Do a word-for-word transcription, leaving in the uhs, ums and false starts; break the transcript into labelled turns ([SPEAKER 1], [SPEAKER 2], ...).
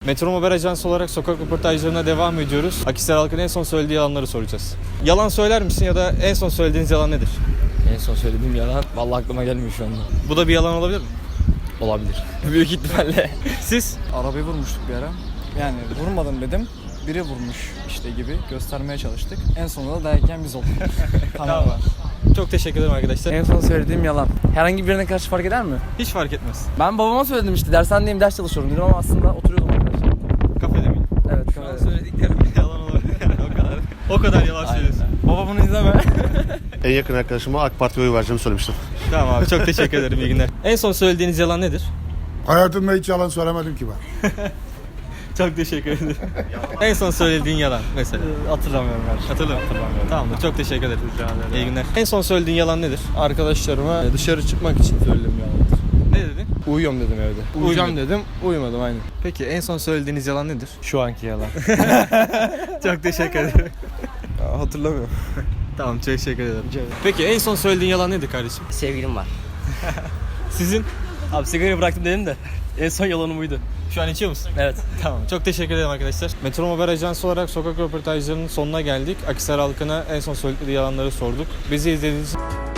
[SPEAKER 1] Metro Haber Ajansı olarak sokak röportajlarına devam ediyoruz. Akhisar halkının en son söylediği yalanları soracağız. Yalan söyler misin ya da en son söylediğiniz yalan nedir?
[SPEAKER 2] En son söylediğim yalan vallahi aklıma gelmiyor şu anda.
[SPEAKER 1] Bu da bir yalan olabilir mi?
[SPEAKER 2] Olabilir. Büyük ihtimalle.
[SPEAKER 1] Siz?
[SPEAKER 3] Arabayı vurmuştuk bir ara. Yani vurmadım dedim. Biri vurmuş işte gibi göstermeye çalıştık. En sonunda da dayak yiyen biz olduk. Kamera var.
[SPEAKER 1] Çok teşekkür ederim arkadaşlar.
[SPEAKER 2] En son söylediğim yalan. Herhangi birine karşı fark eder mi?
[SPEAKER 1] Hiç fark etmez.
[SPEAKER 2] Ben babama söyledim işte dershanedeyim ders çalışıyorum dedim ama aslında oturuyordum arkadaşlar.
[SPEAKER 1] Kafede miyim?
[SPEAKER 2] Evet
[SPEAKER 1] Şu an
[SPEAKER 2] kafede.
[SPEAKER 1] söylediklerim yalan olabilir. o kadar. O kadar yalan söylüyorsun.
[SPEAKER 2] Baba bunu izleme.
[SPEAKER 4] En yakın arkadaşıma AK Parti'ye oy vereceğimi söylemiştim.
[SPEAKER 1] Tamam abi, çok teşekkür ederim. İyi günler. En son söylediğiniz yalan nedir?
[SPEAKER 5] Hayatımda hiç yalan söylemedim ki ben.
[SPEAKER 1] Çok teşekkür ederim. En son söylediğin yalan mesela.
[SPEAKER 2] Hatırlamıyorum her
[SPEAKER 1] Hatırlamıyorum. Hatırlamıyorum. Tamamdır. Çok teşekkür ederim. İyi günler. En son söylediğin yalan nedir?
[SPEAKER 2] Arkadaşlarıma dışarı çıkmak için söyledim yalan.
[SPEAKER 1] Ne dedin?
[SPEAKER 2] Uyuyorum dedim evde. Uyuyacağım
[SPEAKER 1] Uyumadın.
[SPEAKER 2] dedim, uyumadım aynen.
[SPEAKER 1] Peki en son söylediğiniz yalan nedir?
[SPEAKER 2] Şu anki yalan.
[SPEAKER 1] Çok teşekkür ederim.
[SPEAKER 2] Hatırlamıyorum.
[SPEAKER 1] Tamam, çok teşekkür ederim. Peki en son söylediğin yalan nedir kardeşim?
[SPEAKER 6] Sevgilim var.
[SPEAKER 1] Sizin?
[SPEAKER 6] Abi sigarayı bıraktım dedim de en son yalanım buydu.
[SPEAKER 1] Şu an içiyor musun?
[SPEAKER 6] Evet.
[SPEAKER 1] Tamam. Çok teşekkür ederim arkadaşlar. Metro Haber Ajansı olarak sokak röportajlarının sonuna geldik. Akhisar halkına en son söyledikleri yalanları sorduk. Bizi izlediğiniz için